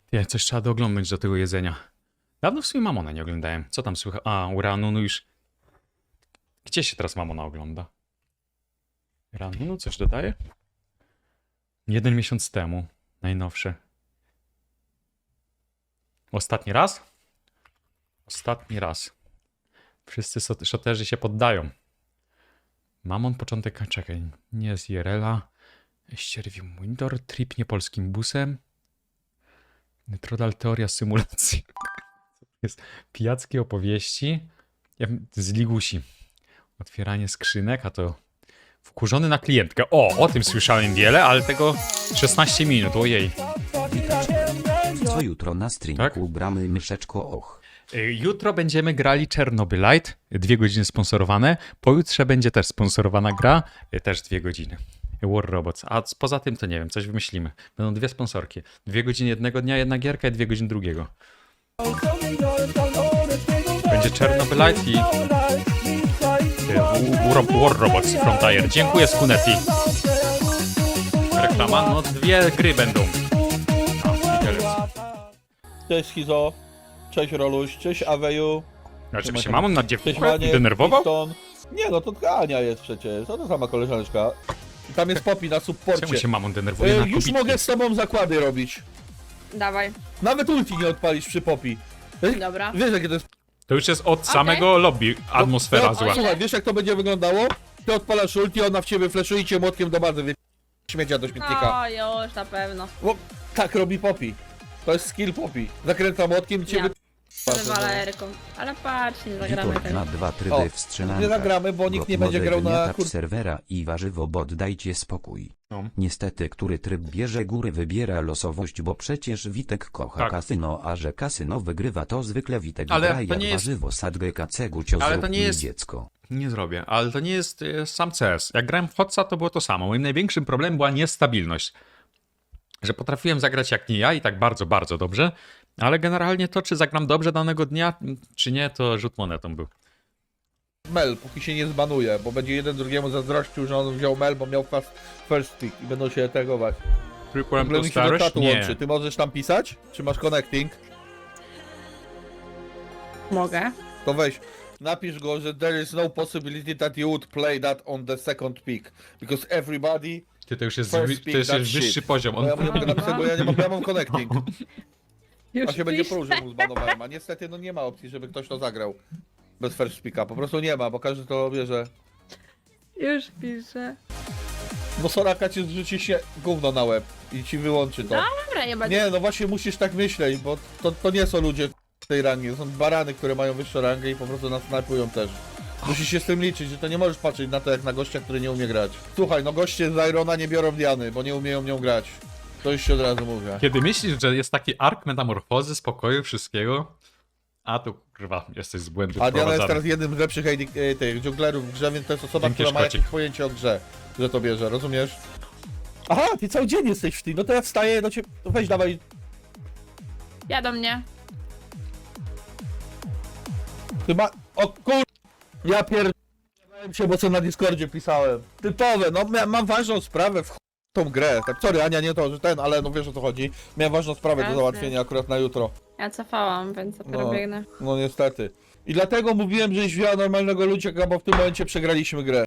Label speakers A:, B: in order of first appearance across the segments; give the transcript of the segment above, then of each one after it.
A: Nie, coś trzeba dooglądać do tego jedzenia. Dawno w sumie Mamona nie oglądałem. Co tam słychać? A, u Ranunu już... Gdzie się teraz Mamona ogląda? Ranunu coś dodaje? 1 miesiąc temu. Najnowsze. Ostatni raz? Ostatni raz. Wszyscy szoterzy się poddają. Mamon początek... Czekaj. Nie z IRL-a. Ścierwił Windor. Trip niepolskim busem. Trodal teoria symulacji. Jest pijackie opowieści z Ligusi. Otwieranie skrzynek, a to wkurzony na klientkę. O tym słyszałem wiele, ale tego 16 minut, ojej.
B: Co jutro na streamku
A: Tak?
B: gramy myszeczko och.
A: Jutro będziemy grali Chernobylite, 2 godziny sponsorowane. Pojutrze będzie też sponsorowana gra, też 2 godziny. War Robots. A poza tym to nie wiem, coś wymyślimy. Będą 2 sponsorki. 2 godziny jednego dnia, 1 gierka i 2 godziny drugiego. Będzie Chernobylite i War Robots Frontier. Dziękuję, Skunetti. Reklama? No 2 gry będą.
C: Cześć Schizo, cześć Roluś, cześć Aweju.
A: Znaczy się mamon na dziewczynę
C: Cześć Maniek,
A: denerwował?
C: Piston. Nie no, to Ania jest przecież, to sama koleżaneczka. I tam jest Poppy na
A: Czemu
C: supporcie.
A: się mamon denerwuje na
C: Już
A: kobitki?
C: mogę z tobą zakłady robić.
D: Dawaj,
C: Nawet ulti nie odpalisz przy Poppy.
D: dobra.
C: Wiesz jakie to jest...
A: To już jest od samego lobby atmosfera
C: No,
A: zła.
C: Słuchaj, wiesz jak to będzie wyglądało? Ty odpalasz ulti, ona w ciebie fleszuje i cię młotkiem do bazy śmiecia do śmietnika.
D: O, już na pewno.
C: Bo tak robi Poppy. To jest skill Poppy. Zakręca młotkiem i cię
D: Ja
C: wy...
D: Walerką. Ale patrz, nie zagramy
B: Witor
D: tego.
B: ma 2 tryby
C: O,
B: w strzelankach.
C: nie zagramy, bo nikt nie będzie grał na
B: serwera i warzywo, bo dajcie spokój.
A: No.
B: Niestety, który tryb bierze góry, wybiera losowość, bo przecież Witek kocha
A: Tak.
B: kasyno, a że kasyno wygrywa, to zwykle Witek
A: Ale
B: gra
A: to
B: jak
A: nie jest-
B: warzywo, sadgę kacegu, cio
A: Ale to
B: zrób
A: nie
B: mi
A: jest-
B: dziecko.
A: Nie zrobię, ale to nie jest sam CS. Jak grałem w Hotsa, to było to samo. Moim największym problemem była niestabilność. Że potrafiłem zagrać jak nie ja i tak bardzo, bardzo dobrze, ale generalnie to, czy zagram dobrze danego dnia, czy nie, to rzut monetą był.
C: Mel, póki się nie zbanuje, bo będzie jeden drugiemu zazdrościł, że on wziął Mel, bo miał first pick i będą się tagować. W
A: Trypłem
C: ogóle
A: to
C: mi się do
A: starość?
C: czatu
A: Nie.
C: łączy. Ty możesz tam pisać? Czy masz connecting?
D: Mogę.
C: To weź, napisz go, że there is no possibility that you would play that on the second pick. Because everybody...
A: Ty to już jest,
C: First
A: to
C: pick,
A: już
C: that
A: jest wyższy
C: shit.
A: poziom.
C: Bo ja mu nie mogę napisać, bo ja mam connecting.
D: Już
C: A się będzie
D: piszę.
C: pruł, że mu zbanowałem, a niestety no nie ma opcji, żeby ktoś to zagrał. Bez first picka, po prostu nie ma, bo każdy to bierze.
D: Już piszę.
C: No Soraka ci zrzuci się gówno na łeb i ci wyłączy to.
D: Dobra, nie będzie.
C: Nie, no właśnie musisz tak myśleć, bo to nie są ludzie w tej rangi, to są barany, które mają wyższą rangę i po prostu nas snajpują też. Musisz się z tym liczyć, że to nie możesz patrzeć na to jak na gościa, który nie umie grać. Słuchaj, no goście z Irona nie biorą Diany, bo nie umieją nią grać. To już się od razu mówię.
A: Kiedy myślisz, że jest taki ark metamorfozy, spokoju, wszystkiego, a tu, kurwa, jesteś z błędu
C: A Diana jest
A: wprowadzany.
C: teraz jednym z lepszych tych dżunglerów w grze, więc to jest osoba,
A: Dzięki,
C: która ma
A: Szkocik.
C: jakieś pojęcie o grze, że to bierze, rozumiesz? Aha, ty cały dzień jesteś w tym, no to ja wstaję do ciebie, to weź dawaj.
D: Ja do mnie.
C: Ty ma... O kur... Ja pierdolę się, bo co na Discordzie pisałem. Typowe, no mam ważną sprawę w tą grę. Tak, sorry Ania, nie to, że ale no wiesz o co chodzi. Miałem ważną sprawę do
D: Jasne.
C: załatwienia akurat na jutro.
D: Ja cofałam, więc dopiero biegnę.
C: No niestety. I dlatego mówiłem, żeś wzięła normalnego ludzika, bo w tym momencie przegraliśmy grę.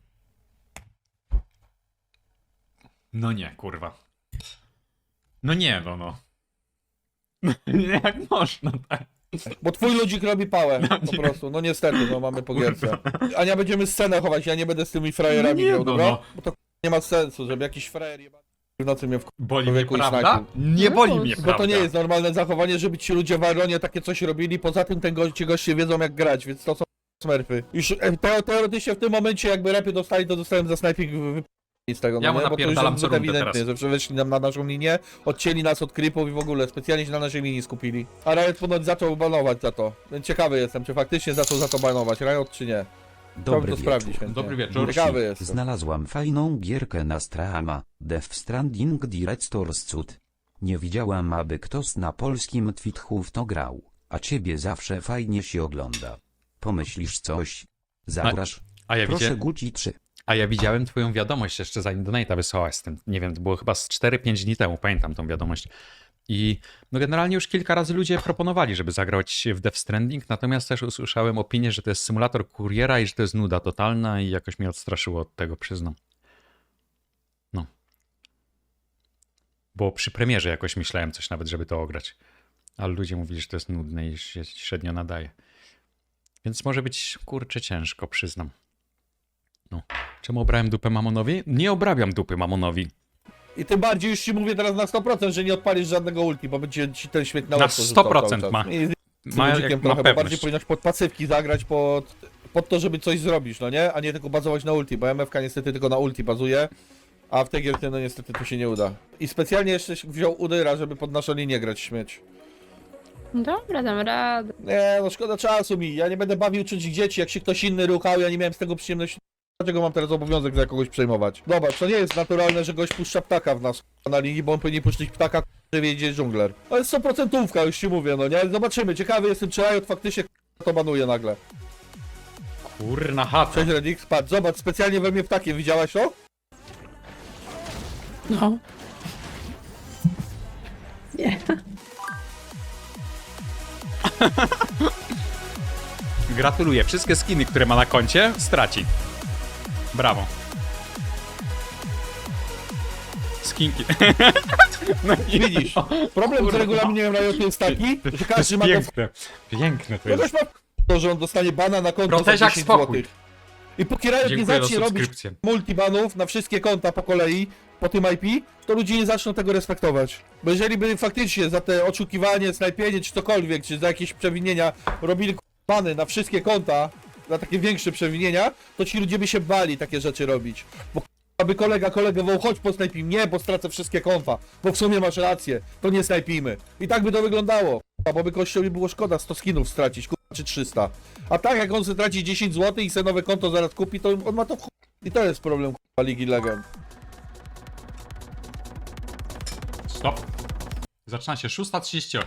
A: No nie, kurwa. No nie, no. Nie, jak można, tak?
C: Bo twój ludzik robi pałę, po prostu. No niestety, no mamy po gierce. Ania, będziemy scenę chować, ja nie będę z tymi frajerami
A: No nie,
C: grał,
A: no,
C: dobra?
A: no.
C: Bo to nie ma sensu, żeby jakiś frajer jebany w nocy mnie
A: Boli mnie,
C: Człowieku i
A: prawda?
C: snajpił.
A: Nie boli mnie,
D: Bo
C: Bo
A: prawda?
C: to nie jest normalne zachowanie, żeby ci ludzie w Ironie takie coś robili, poza tym ci goście wiedzą jak grać, więc to są smurfy. Już teoretycznie w tym momencie jakby repy dostali, to dostałem za snajping z tego,
A: Ja mu
C: no nie? Bo to już
A: napierdalam
C: jest
A: co
C: zbyt
A: rundę
C: ewidentnie,
A: teraz.
C: że przeweszli nam na naszą linię, odcięli nas od creepów i w ogóle specjalnie się na naszej linii skupili. A Riot ponoć zaczął banować za to. Więc ciekawy jestem, czy faktycznie zaczął za to banować, Riot czy nie. Chciałbym
B: Dobry
C: to
B: wieczór.
C: sprawdzić chętnie.
A: Dobry wieczór.
C: Ciekawy jestem.
B: Znalazłam fajną gierkę na Strahama, Death Stranding Director's Cut. Nie widziałam, aby ktoś na polskim Twitchu w to grał, a ciebie zawsze fajnie się ogląda. Pomyślisz coś? Zagrasz?
A: A ja
B: Proszę
A: widziałem,
B: Guci 3.
A: a ja widziałem twoją wiadomość jeszcze zanim donate'a wysłałaś z tym. Nie wiem, to było chyba z 4-5 dni temu, pamiętam tą wiadomość. I no generalnie już kilka razy ludzie proponowali, żeby zagrać w Death Stranding, natomiast też usłyszałem opinię, że to jest symulator kuriera i że to jest nuda totalna i jakoś mnie odstraszyło od tego, przyznam. No. Bo przy premierze jakoś myślałem coś nawet, żeby to ograć. Ale ludzie mówili, że to jest nudne i się średnio nadaje. Więc może być, kurczę, ciężko, przyznam. No. Czemu obrałem dupę Mamonowi? Nie obrabiam dupy Mamonowi.
C: I tym bardziej już ci mówię teraz na 100%, że nie odpalisz żadnego ulti, bo będzie ci ten śmieć na
A: Na
C: łeb porzucał
A: 100%
C: cały czas.
A: ma.
C: I
A: Ma,
C: ludzikiem
A: jak, ma
C: trochę, bo bardziej
A: pewność.
C: powinnaś pod pasywki zagrać, pod to, żeby coś zrobić, no nie? A nie tylko bazować na ulti, bo MFK niestety tylko na ulti bazuje, a w tej gierce no niestety to się nie uda. I specjalnie jeszcze wziął Udyra, żeby pod naszą linię grać śmieć.
D: Dobra, dam radę.
C: Nie, no szkoda czasu mi, ja nie będę bawił czuć dzieci, jak się ktoś inny ruchał, ja nie miałem z tego przyjemności. Dlaczego mam teraz obowiązek za kogoś przejmować? Dobra, to nie jest naturalne, że gość puszcza ptaka w nas na linii, bo on powinien puszczyć ptaka, że wiedzie dżungler. To jest 100% już ci mówię, no nie? Zobaczymy, ciekawy jestem, czy Riot faktycznie to banuje nagle.
A: Kurna chata.
C: Cześć Redix, patrz, zobacz, specjalnie we mnie ptakiem, widziałaś to?
D: No. Nie.
A: Gratuluję. Wszystkie skiny, które ma na koncie, straci. Brawo. Skinki. No i
C: Widzisz, problem z regulaminem Riotu jest taki, że
A: to
C: każdy
A: jest
C: ma
A: piękne. Piękne to
C: kogoś
A: jest.
C: ma to, że on dostanie bana na konto za
A: Proteziak,
C: 10
A: spokój.
C: zł. I póki Riot nie
A: Dziękuję za
C: zacznie robić
A: subskrypcję.
C: multibanów na wszystkie konta po kolei, po tym IP, to ludzie nie zaczną tego respektować. Bo jeżeli by faktycznie za te oszukiwanie, snajpienie czy cokolwiek, czy za jakieś przewinienia robili bany na wszystkie konta, za takie większe przewinienia, to ci ludzie by się bali takie rzeczy robić. Bo aby kolegę wołał, chodź posnajpij mnie, bo stracę wszystkie konta. Bo w sumie masz rację, to nie snajpijmy. I tak by to wyglądało. Bo by kościołowi było szkoda 100 skinów stracić, czy 300. A tak jak on sobie traci 10 zł i sobie nowe konto zaraz kupi, to on ma to w chuj. I to jest problem Ligi Legend.
A: Stop. Zaczyna się 6:38.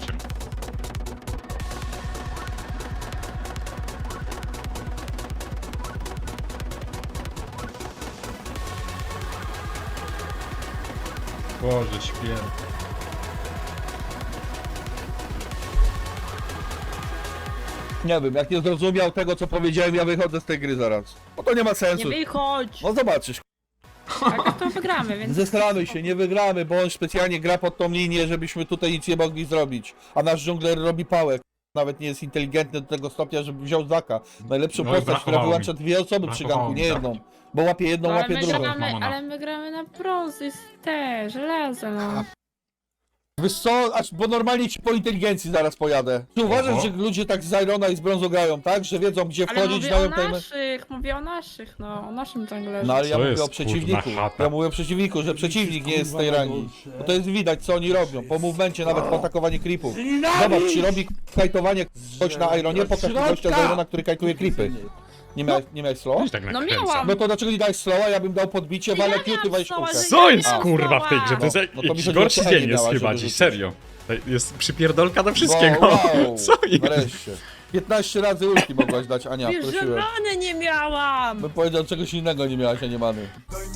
A: Boże święty.
C: Nie wiem, jak nie zrozumiał tego, co powiedziałem, ja wychodzę z tej gry zaraz. Bo to nie ma
D: Nie
C: sensu.
D: wychodź!
C: No zobaczysz.
D: Tak to wygramy, więc...
C: Zesramy się, nie wygramy, bo on specjalnie gra pod tą linię, żebyśmy tutaj nic nie mogli zrobić. A nasz dżungler robi pałę. Nawet nie jest inteligentny do tego stopnia, żeby wziął Zaka. Najlepszą
A: No i
C: postać, która
A: brakowało
C: wyłącza
A: mi.
C: dwie osoby przy
A: Brakowało
C: ganku,
A: mi
C: nie
A: Zaka.
C: jedną. Bo łapie jedną,
D: Ale
C: łapie
D: my,
C: drugą.
D: gramy,
A: Mamona.
D: ale my gramy na brązy, te, żelazo, no.
C: Wiesz co, bo normalnie ci po inteligencji zaraz pojadę. Czy uważasz,
A: Oho.
C: że ludzie tak z Irona i z brązu grają, tak? Że wiedzą gdzie
D: Ale
C: wchodzić,
D: mówię o
C: dają tajemne...
D: naszych, mówię o naszych, no, o naszym junglerze.
C: No ale ja
A: Co
C: mówię
A: jest,
C: o przeciwniku.
A: kurna chata?
C: Ja mówię o przeciwniku, że przeciwnik nie jest z tej rangi. Bo to jest widać, co oni robią. Po movemencie, nawet po atakowaniu creepów. Zobacz, czy robi kajtowanie ktoś na Ironie, pokaż mi gościa z Irona, który kajtuje creepy. Nie miałeś slow?
A: Coś tak
D: No
A: nakręca.
D: miałam.
C: No to dlaczego nie dałeś slowa? Ja bym dał podbicie,
D: Ja
C: walę
D: miałam
C: kiuty, weź
D: slowa,
C: kulkę.
D: że
A: Co
D: ja
A: jest
D: miałam
A: kurwa w tej grze? To jest
C: No, no to mi
A: jakiś
C: chodziło,
A: gorszy
C: że
A: dzień
C: nie
A: jest
C: miałaś,
A: chyba
C: żeby
A: dziś,
C: rzucić.
A: serio. To jest przypierdolka do wszystkiego.
C: Wow,
A: Co jest?
C: Wreszcie. 15 razy ulti mogłaś dać, Ania,
D: Wiesz, że
C: prosiłem.
D: many nie miałam!
C: Bym powiedział, czegoś innego nie miałaś, a nie many.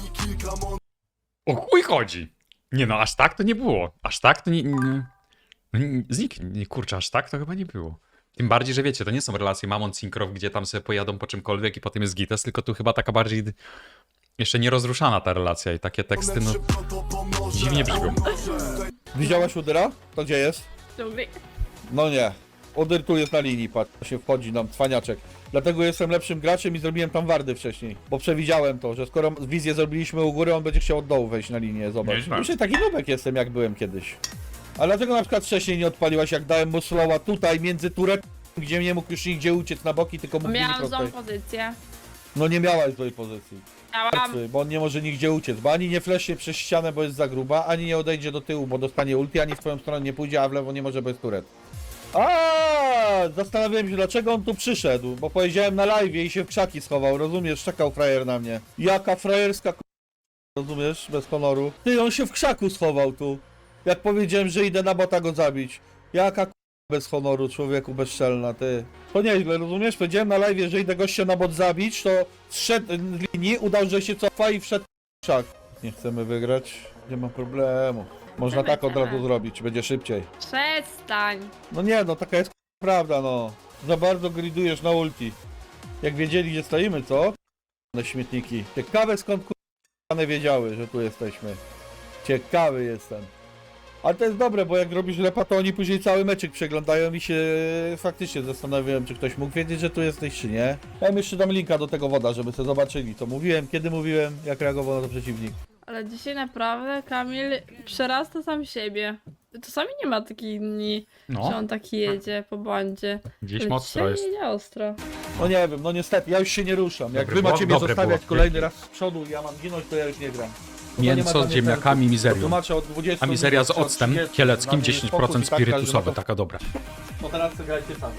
A: O chuj chodzi. Nie no, aż tak to nie było. Aż tak to nie, kurczę, aż tak to chyba nie było. Tym bardziej, że wiecie, to nie są relacje Mamon-Syncroft, gdzie tam sobie pojadą po czymkolwiek i potem jest gites, tylko tu chyba taka bardziej jeszcze nierozruszana ta relacja i takie teksty, no, dziwnie brzmią.
C: Widziałaś Udyra? To gdzie jest?
D: Dżungli.
C: No nie. Udyr tu jest na linii, patrz, się wchodzi nam cwaniaczek. Dlatego jestem lepszym graczem i zrobiłem tam wardy wcześniej. Bo przewidziałem to, że skoro wizję zrobiliśmy u góry, on będzie chciał od dołu wejść na linię, zobacz.
A: Nieźle.
C: Już taki nubek jestem, jak byłem kiedyś. A dlaczego na przykład wcześniej nie odpaliłaś, jak dałem mu slowa tutaj, między turem, gdzie nie mógł już nigdzie uciec na boki, tylko mógł
D: Miałam
C: prosto.
D: złą pozycję.
C: No nie miałaś złej pozycji.
D: Miałam.
C: Bo on nie może nigdzie uciec, bo ani nie flesznie przez ścianę, bo jest za gruba, ani nie odejdzie do tyłu, bo dostanie ulti, ani w twoją stronę nie pójdzie, a w lewo nie może, bo jest turet. Zastanawiałem się, dlaczego on tu przyszedł, bo powiedziałem na live i się w krzaki schował, rozumiesz? Czekał frajer na mnie. Jaka frajerska rozumiesz? Bez honoru. Ty, on się w krzaku schował tu. Jak powiedziałem, że idę na bota go zabić. Jaka bez honoru, człowieku bezczelna, ty. To nieźle, rozumiesz? Powiedziałem na live, że idę gościa na bot zabić, to zszedł z linii, udał, że się cofa i wszedł w krzak. Nie chcemy wygrać, nie ma problemu. Można tak od razu
D: Będziemy.
C: zrobić, będzie szybciej.
D: Przestań.
C: No nie, no taka jest prawda, no. Za bardzo gridujesz na ulti. Jak wiedzieli, gdzie stoimy, co? Na śmietniki. Ciekawe skąd one wiedziały, że tu jesteśmy. Ciekawy jestem. Ale to jest dobre, bo jak robisz lepa, to oni później cały meczyk przeglądają i się faktycznie zastanawiałem, czy ktoś mógł wiedzieć, że tu jesteś, czy nie. Ja im jeszcze dam linka do tego woda, żeby sobie zobaczyli, co mówiłem, kiedy mówiłem, jak reagował na to przeciwnik.
D: Ale dzisiaj naprawdę Kamil przerasta sam siebie. Czasami nie ma takich dni, że
A: No,
D: on taki jedzie po błędzie.
A: gdzieś
D: Ale
A: mocno
D: dzisiaj
A: jest.
D: jedzie ostro.
C: No nie wiem, no niestety, ja już się nie ruszam. Jak
A: Dobry
C: wy macie
A: było,
C: mnie
A: dobre
C: zostawiać
A: było.
C: kolejny raz z przodu i ja mam ginąć, to ja już nie gram. To nie ma
A: Mięso
C: dla
A: z
C: mnie
A: ziemniakami,
C: sensu.
A: mizerią.
C: Tłumaczę od 20
A: A mizeria z
C: minut, od
A: octem
C: 30,
A: kieleckim,
C: dla mnie
A: 10%
C: spokój i tak każdy ma
A: spirytusowe,
C: to-
A: taka dobra.
C: No teraz sobie grajcie sami.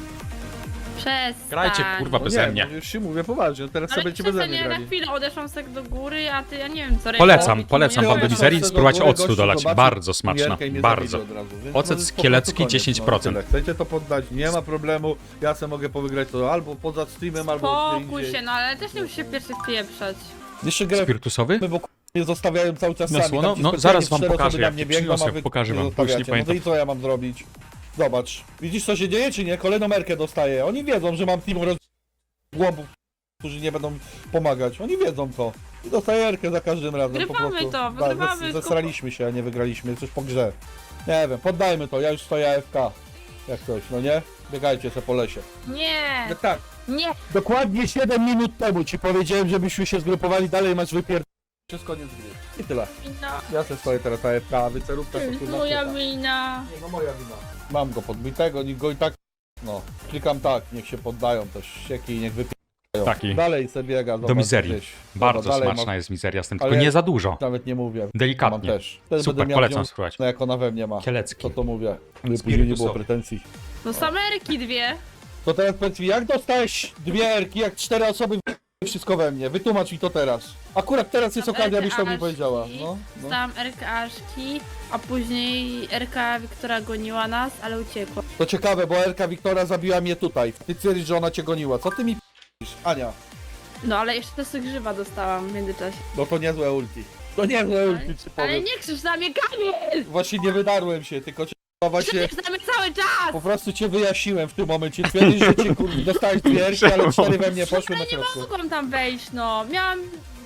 D: Przestań.
A: Grajcie, kurwa,
C: No
A: beze
C: nie,
A: mnie.
C: no już się mówię poważnie, no teraz
D: Ale
C: sobie będziecie beze
D: przestań,
C: mnie
D: ja na
C: grali.
D: chwilę odeszłam sobie do góry, a ty, ja nie wiem co
A: Polecam,
D: robić,
A: polecam
D: nie
A: wam do
D: wiem.
A: mizerii,
C: Gościu
A: spróbować
C: zobaczył,
A: octu dolać.
C: zobaczył
A: Bardzo smaczna,
C: Mierkę i mnie
A: bardzo.
C: zabili od razu, więc
A: Ocet
C: no,
A: z
C: po
A: kielecki
C: prostu koniec,
A: 10%.
C: tyle. Chcecie to poddać, nie ma problemu, ja sobie mogę powygrać to albo poza streamem, albo gdzie
D: Spokój
C: indziej.
D: się, no ale też nie musisz się pierwszy wpieprzać.
C: Jeszcze grę
A: Spirytusowy?
C: bo mnie zostawiają cały czas
A: No,
C: sami.
A: no,
C: tam ci
A: no,
C: specjalnie
A: zaraz wam
C: 4 osoby
A: pokażę,
C: na
A: jak
C: mnie
A: ci
C: biegną,
A: przyniosę,
C: a wy
A: pokażę
C: mnie
A: wam, bo już nie
C: zostawiacie. No
A: pamiętam.
C: to i co ja mam zrobić? Zobacz, widzisz co się dzieje czy nie? Kolejną merkę dostaję. Oni wiedzą, że mam team głąbów, którzy nie będą pomagać. Oni wiedzą to. I dostaję erkę za każdym razem. po
D: Wygrywamy
C: prostu.
D: to,
C: Tak,
D: wygrywamy,
C: Zesraliśmy się, a nie wygraliśmy. Coś po grze. Nie wiem, poddajmy to. Ja już stoję AFK. Jak coś, no nie? Biegajcie se po lesie.
D: Nie,
C: No tak.
D: nie.
C: Dokładnie 7 minut temu ci powiedziałem, żebyśmy się zgrupowali dalej, masz wypierd... Przez koniec gry. I tyle.
D: Wina.
C: Ja se stoję teraz AFK, a wy cerówka
D: To
C: to
D: jest
C: kurwa
D: moja
C: pyta.
D: wina.
C: Nie, no moja wina. Mam go podbitego, niech go i tak... No, klikam tak, niech się poddają te ścieki i niech wypierają.
A: Taki.
C: Dalej se biega,
A: Do
C: zobacz,
A: mizerii.
C: gdzieś.
A: Bardzo
C: Dobra, dalej
A: smaczna
C: ma-
A: jest mizeria z tym, tylko
C: Ale-
A: nie za dużo.
C: Nawet nie mówię. Mam
A: Delikatnie.
C: też. Wtedy
A: Super,
C: będę miał
A: polecam
C: nią,
A: spróbować.
C: no jak ona we mnie ma.
A: Kielecki.
C: To mówię. Żeby później nie było
A: Spirytusowy.
C: pretensji.
D: No samerki dwie.
C: To teraz powiedz mi, jak dostałeś 2 erki, jak 4 osoby wszystko we mnie? Wytłumacz mi to teraz. Akurat teraz jest okazja, byś to mi powiedziała. No, no.
D: Dostałam RK-aszki, a później RK Wiktora goniła nas, ale uciekła.
C: To ciekawe, bo Erka Wiktora zabiła mnie tutaj. Ty twierdzisz, że ona cię goniła. Co ty mi p***isz, Ania?
D: No ale jeszcze też grzywa dostałam w międzyczasie.
C: No to niezłe ulti. To niezłe ulti, ci
D: Ale
C: powiem.
D: nie krzycz na mnie, Kamil!
C: Właśnie nie wydarłem się, tylko cię właśnie...
D: Krzyczysz na mnie cały czas!
C: Po prostu cię wyjaśniłem w tym momencie. Twierdzisz, że cię kurde dostałeś 2 erki, ale 4 we mnie poszły na
D: Nie
C: środku.
D: mogłam tam wejść, no. Miałam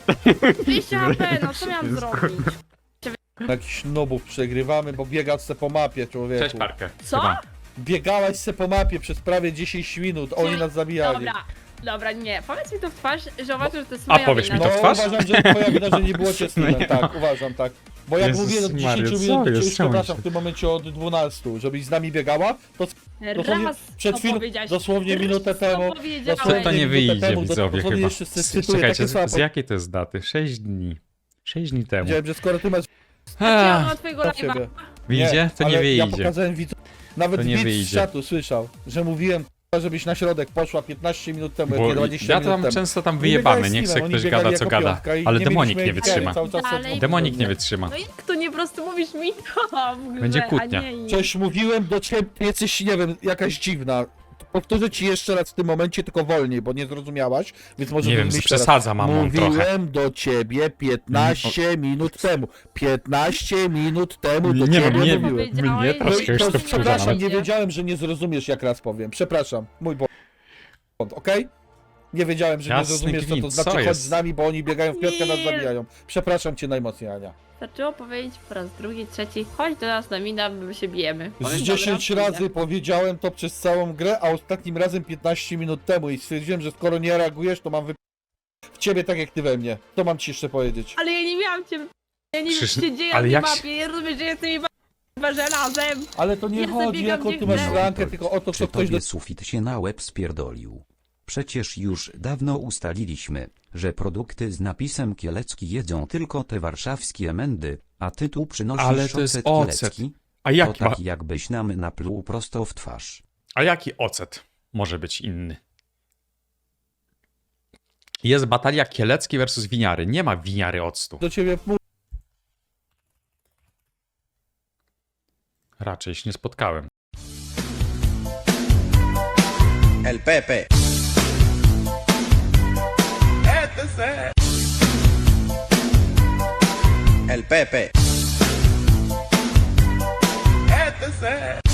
D: 200 HP, no co miałam zrobić?
C: Jakichś nubów przegrywamy, bo biegasz se po mapie, człowieku.
A: Cześć, Parkę.
D: Co?
A: Chyba.
C: Biegałaś se po mapie przez prawie 10 minut, oni nas zabijali.
D: Dobra, nie. Powiedz mi to w twarz, że uważasz, że to jest
A: A
D: moja
A: powiedz
D: wina.
A: mi to w
C: No
A: twarz?
C: uważam, że twoja wina, że nie było cię z tyłem,
A: No nie
C: tak, uważam, tak. Bo jak
A: Jezus
C: mówiłem od 10
A: Maria, co
C: minut,
A: jest?
C: już
A: Czemu
C: przepraszam,
A: się-
C: w tym momencie od 12, żebyś z nami biegała, to dosłownie
D: Raz
C: przed chwilą,
D: opowiedziałaś.
C: dosłownie minutę temu,
D: powiedziałeś.
C: dosłownie
A: To nie
C: minutę
A: wyjdzie,
C: temu,
A: widzowie,
C: dosłownie
A: chyba.
C: jeszcze cytuję
A: Czekajcie,
C: takie słowa,
A: z jakiej to jest daty? 6 dni. 6 dni temu.
C: powiedziałem, że skoro ty masz
D: Chciałam
A: Ach,
D: od twojego
C: dla
D: live'a.
C: ciebie.
A: Wyjdzie? To nie
C: ale ja
A: wyjdzie.
C: pokazałem widzom, nawet
A: To nie
C: widz z
A: wyjdzie.
C: czatu słyszał, że mówiłem, żebyś na środek poszła 15 minut temu, jak
A: Bo
C: nie 20
A: ja
C: minut
A: tam
C: temu.
A: często tam
C: Nie
A: wyjebany,
C: biegałeś
A: niech
C: z
A: se
C: teamem,
A: ktoś
C: oni
A: gada
C: biegali
A: co
C: jako
A: gada.
C: piątka i
A: Ale
C: nie
A: demonik
C: mieliśmy
A: nie
C: ewidencji,
A: wytrzyma.
C: cały czas
D: Dalej.
C: są-
A: Demonik nie wytrzyma.
D: No jak to nie po prostu mówisz mi to w grze,
A: Będzie
D: a
A: kłótnia.
D: nie im.
C: Coś mówiłem do ciebie, ty jesteś, nie wiem, jakaś dziwna. Powtórzę ci jeszcze raz w tym momencie, tylko wolniej, bo nie zrozumiałaś, więc może
A: Nie wiem,
C: zrozumieć teraz.
A: przesadza mamon trochę.
C: Mówiłem do ciebie 15 minut temu. 15 minut temu do
A: Nie
C: ciebie
A: wiem, nie
C: mówiłem.
A: wiem. Mnie
C: No
A: troszkę
C: i
A: już
C: to,
A: to wkurza
C: przepraszam,
A: nawet.
C: nie wiedziałem, że nie zrozumiesz, jak raz powiem. Przepraszam, mój błąd, okej? Nie wiedziałem, że nie
A: Jasny
C: zrozumiesz, co to
A: gwint,
C: znaczy,
A: co
C: chodź
A: jest?
C: z nami, bo oni biegają w piątkę, nas
D: Nie.
C: zabijają. Przepraszam cię najmocniej, Ania.
D: Zaczęło powiedzieć po raz drugi, trzeci, chodź do nas na mina, my się bijemy.
C: Z
D: Powiem,
C: 10
D: dobra,
C: razy powiedziałem to przez całą grę, a ostatnim razem 15 minut temu i stwierdziłem, że skoro nie reagujesz, to mam w ciebie tak jak ty we mnie. To mam ci jeszcze powiedzieć.
D: Ale ja nie miałam cię. Ja nie wiem,
A: Przecież-
D: co się dzieje
A: ale
D: na tej
A: jak się-
D: mapie. Ja rozumiem, że jestem chyba żelazem.
C: Ale to nie
D: Ja
C: chodzi,
D: zabiegam
C: jaką
D: gdzie
C: ty masz
D: chcę.
C: rankę, tylko o to,
B: Czy
C: co ktoś do...
B: tobie sufit się na łeb spierdolił? Przecież już dawno ustaliliśmy, że produkty z napisem kielecki jedzą tylko te warszawskie mędy, a ty tu przynosisz
A: Ale to jest
B: ocet
A: ocet.
B: kielecki?
A: A
B: To
A: jaki,
B: taki jakbyś nam napluł prosto w twarz.
A: a jaki ocet może być inny? Jest batalia Kielecki versus Winiary. Nie ma Winiary octu.
C: do ciebie mówi.
A: Raczej się nie spotkałem.
E: El Pepe. El Pepe. ser.